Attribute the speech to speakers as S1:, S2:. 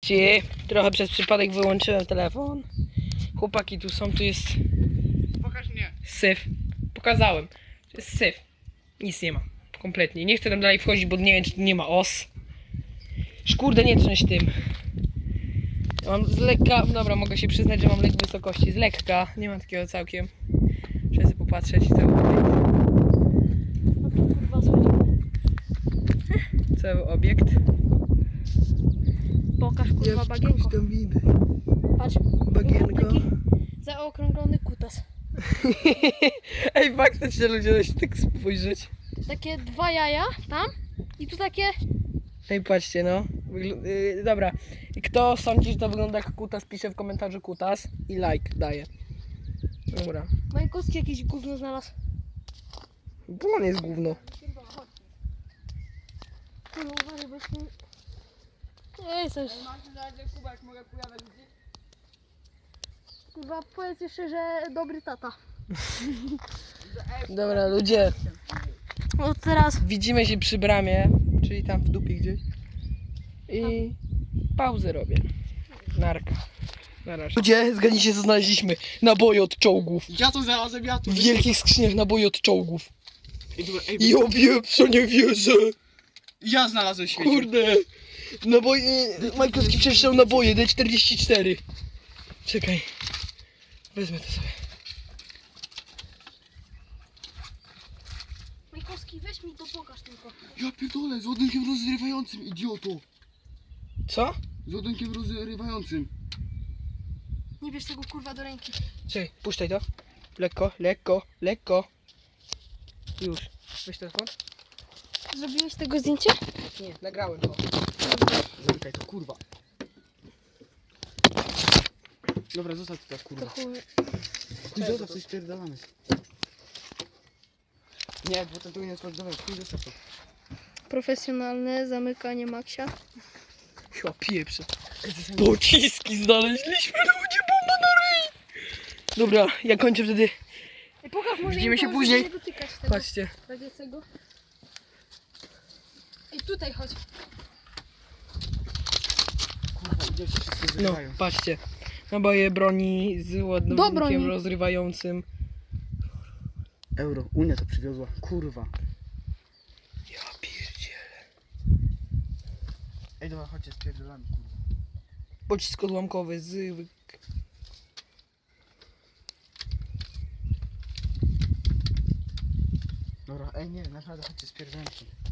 S1: Ci, trochę przez przypadek wyłączyłem telefon. Chłopaki tu są, tu jest
S2: Pokaż mnie.
S1: syf. Pokazałem. To jest syf. Nic nie ma. Kompletnie. Nie chcę tam dalej wchodzić, bo nie wiem, czy tu nie ma os. Szkurde, nie trząść tym. Ja mam z lekka, dobra, mogę się przyznać, że mam lek wysokości. Z lekka, nie mam takiego całkiem. Muszę sobie popatrzeć cały obiekt.
S3: No to kurwa schodzi.
S1: Cały obiekt.
S3: Pokaż kurwa bagienko.
S1: tam widzę.
S3: Patrz.
S1: Bagienko.
S3: Taki zaokrąglony kutas.
S1: Ej, faktycznie ludzie da się tak spojrzeć.
S3: Takie 2 jaja tam i tu takie...
S1: Ej, patrzcie, no. Dobra. Kto sądzi, że to wygląda jak kutas, pisze w komentarzu kutas i like daje. Dobra.
S3: Majkowski jakieś gówno znalazł.
S1: Bo on jest gówno.
S3: No uważaj, bo jest... Ej, coś.
S2: Kubek, mogę pojawiać gdzieś?
S3: Kurwa, powiedz jeszcze, że dobry tata.
S1: Dobra, ludzie.
S3: No teraz...
S1: Widzimy się przy bramie, czyli tam w dupie gdzieś. I pauzę robię. Narka. Na razie. Ludzie, zgadnijcie co znaleźliśmy. Naboje od czołgów.
S2: Ja to znalazłem, ja to.
S1: W wielkich skrzyniach naboje od czołgów.
S2: Ej, dobra, ej,
S1: I obieprzo nie wierzę.
S2: ja znalazłem śmieci.
S1: Kurde. Naboje, Majkowski przeczytał naboje D44. Czekaj. Wezmę to sobie.
S3: Majkowski, weź mi to pokaż tylko.
S2: Ja pierdolę, z ładunkiem rozrywającym, idioto.
S1: Co?
S2: Z ładunkiem rozrywającym.
S3: Nie bierz tego kurwa do ręki.
S1: Czekaj, puszczaj to. Lekko, lekko, lekko. Już. Weź telefon.
S3: Zrobiłeś tego zdjęcie?
S1: Nie, nagrałem to.
S2: Zamykaj to, kurwa. Dobra, zostaw to tak,
S3: To
S2: kurwa.
S3: chuj.
S2: Chuj, zostaw, coś spierdalamy. Nie, bo ten tu nie jest dobra, chuj, zostaw to.
S3: Profesjonalne zamykanie Maxia.
S1: Chyba pieprze. Pociski znaleźliśmy, ludzie, bomba na ryj! Dobra, ja kończę wtedy.
S3: Ej, pokaż, może
S1: Widzimy
S3: im
S1: się
S3: pomoże
S1: później.
S3: nie dotykać tego
S1: Patrzcie.
S3: radziecego. Ej, tutaj chodź.
S2: Kurwa, idioci wszyscy
S1: No,
S2: zrywają.
S1: patrzcie. Naboje broni z
S3: Do
S1: ładunkiem
S3: broni.
S1: rozrywającym.
S2: Euro, Unia to przywiozła, kurwa.
S1: Ja pierdzielę.
S2: Ej, dobra, chodźcie, spierdalamy, kurwa.
S1: Pocisk odłamkowy z...
S2: Dobra, ej, nie, naprawdę, chodźcie, spierdalamy.